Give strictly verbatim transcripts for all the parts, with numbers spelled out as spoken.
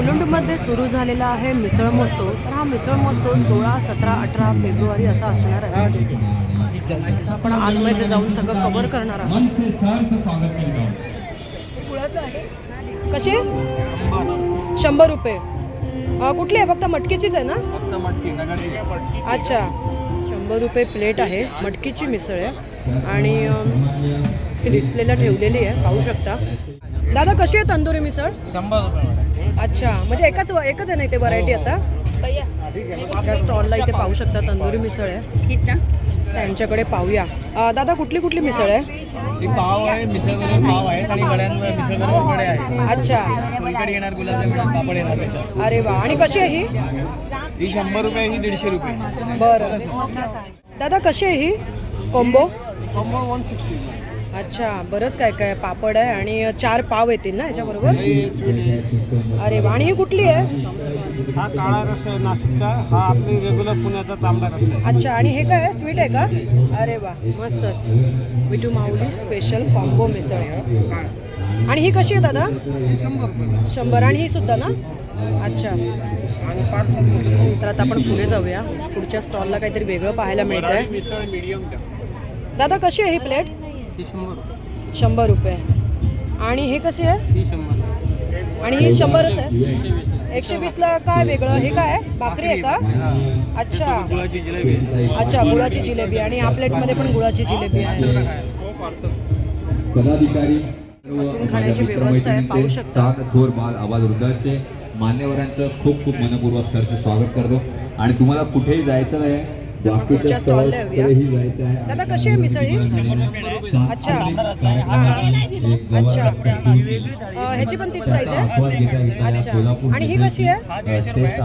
मुलुंडमध्ये सुरू झालेला आहे मिसळ महोत्सव। तर हा मिसळ महोत्सव सोळा सतरा अठरा फेब्रुवारी असा असणार आहे। आपण आतमध्ये जाऊन सगळं कव्हर करणार आहोत। कशी शंभर रुपये कुठली आहे? फक्त मटकीचीच आहे ना? फक्त मटकी नगरची। अच्छा, शंभर रुपये प्लेट आहे। मटकीची मिसळ आहे आणि ती डिस्प्लेला ठेवलेली आहे, पाहू शकता। दादा कशी आहे तंदुरी मिसळ? शंभर रुपये। अच्छा, म्हणजे एकच एकच आहे ना इथे व्हरायटी आता? त्या स्टॉलला इथे पाहू शकता तंदुरी मिसळ आहे, त्यांच्याकडे पाहूया। दादा कुठली कुठली मिसळ आहे? ही पाव आहे, मिसळ बरोबर पाव आहे आणि गड्यांवर मिसळ बरोबर वडे आहे। अच्छा, सोलकढी येणार, गुलाबजामुन येणार, पापड येणार त्याच्यात। अरे वा। आणि कशी आहे ही? ही शंभर रुपये, ही दीडशे रुपये। बरं दादा कशी आहे ही कॉम्बो? Combo one sixty. अच्छा, बरंच काय काय पापड आहे आणि चार पाव येतील ना याच्याबरोबर? अरे वा। आणि ही कुठली आहे? हा काळा रस आहे नाशिकचा, हा आपली रेग्युलर पुण्याचा तांबडा रस आहे। अच्छा, आणि हे काय आहे? स्वीट आहे का? अरे वा, मस्तच। Vithu Mauli special combo misal. आणि ही कशी आहे दादा? शंभर रुपये। शंभर। आणि ही सुद्धा ना? अच्छा, आणि पाच तर आता आपण पुढे जाऊया। पुढच्या स्टॉलला काहीतरी वेगळं पाहायला मिळत आहे। मिसळ मीडियम दादा कशी आहे ही प्लेट? ही शंभर। शंभर रुपये। आणि हे कशी आहे? ही शंभर। आणि ही शंभरच आहे। एकशे वीसला काय वेगळं? हे काय आहे? भाकरी आहे का? अच्छा, गुळाची जिलेबी। अच्छा, गुळाची जिलेबी। आणि या प्लेटमध्ये पण गुळाची जिलेबी आहे। पदाधिकारी बसून खाण्याची व्यवस्था आहे, पाहू शकता। थोर बाल आवाज वृद्धांचे मान्यवरांचं खूप खूप मनपूर्वक सरसे स्वागत करतो। आणि तुम्हाला कुठेही जायचं नाही, पुढच्या स्टॉलला येऊया। दादा कशी आहे मिसळ ही? अच्छा, अच्छा, ह्याची पण तीच प्राइस आहे? अच्छा, आणि ही कशी आहे?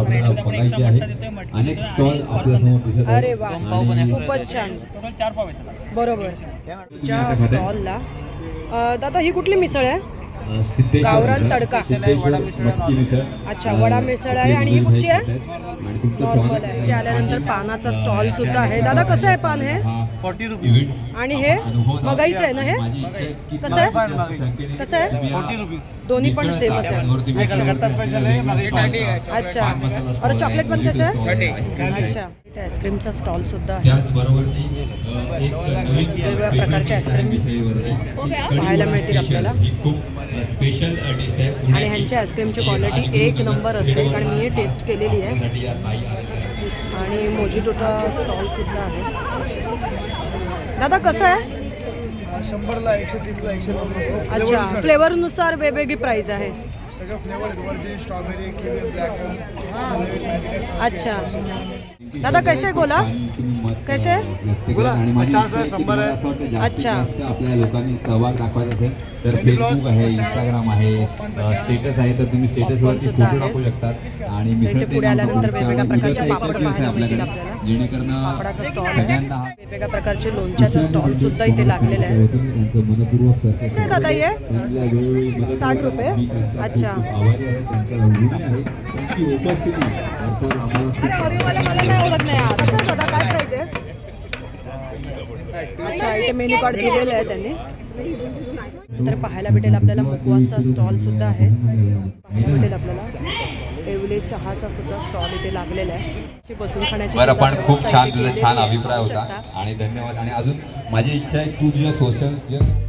अनेक स्टॉल आपल्यासमोर दिसत आहेत। अरे वा, खूपच छान। बरोबर। स्टॉलला दादा ही कुठली मिसळ आहे? गावरान तडका। अच्छा, वडा मिसळ आहे। आणि ही कुठची आहे? नॉर्मल आहे। ते आल्यानंतर पानाचा स्टॉल सुद्धा आहे। दादा कसं आहे पान हे? Forty rupees. आणि हे मगाईचं आहे ना? हे कसं आहे? कसं आहे? Forty rupees. दोन्ही पण सेमच आहे। कलकत्ता स्पेशल आहे। अच्छा, और चॉकलेट पण कसं आहे? अच्छा, इथे आईस्क्रीमचा स्टॉल सुद्धा आहे। वेगवेगळ्या प्रकारचे आईस्क्रीम पाहायला मिळतील आपल्याला। स्पेशल डिश आहे आणि ह्यांची आईस्क्रीमची क्वालिटी एक नंबर असते, कारण मी हे टेस्ट केलेली आहे। आणि मोजिटोचा स्टॉल सुद्धा आहे। दादा कसं आहे? शंभरला, एकशे तीसला, एकशे पन्नास। अच्छा, फ्लेवरनुसार वेगवेगळी प्राइस आहे। सगळं फ्लेवर वरची स्ट्रॉबेरी, किवी, ब्लॅक। अच्छा दादा कैसे आहे गोला? कैसे गोला पचास आहे, शंभर आहे। अच्छा, आपल्या लोकांनी सहभाग दाखवायचा असेल तर फेसबुक आहे, इंस्टाग्राम आहे, स्टेटस आहे, तर तुम्ही स्टेटसवरती फोटो टाकू शकतात। आणि मिसळ पुढे आल्यानंतर वेगवेगळ्या प्रकारच्या पापड पाहायला मिळतील आपल्याकडे, आपल्याला। जेणेकरून पापडाचा स्टॉल आहे, वेगवेगळ्या प्रकारचे लोणच्याचा स्टॉल सुद्धा इथे लागलेला आहे। किती आहे दादा हे? साठ रुपये। अच्छा, मला नाही ओळख नाही यार। कसं दादा काय प्राइस आहे? अच्छा, इथे मेन्यू कार्ड दिलेलं आहे त्यांनी। तर पाहायला भेटेल आपल्याला मुकवासचा स्टॉल सुद्धा आहे। पाहायला भेटेल आपल्याला येवले चहाचा सुद्धा स्टॉल इथे लागलेला आहे। बसून खाण्याची बरं, पण खूप छान, तुझा छान अभिप्राय होता आणि धन्यवाद। आणि अजून माझी इच्छा आहे तू तुझ्या सोशल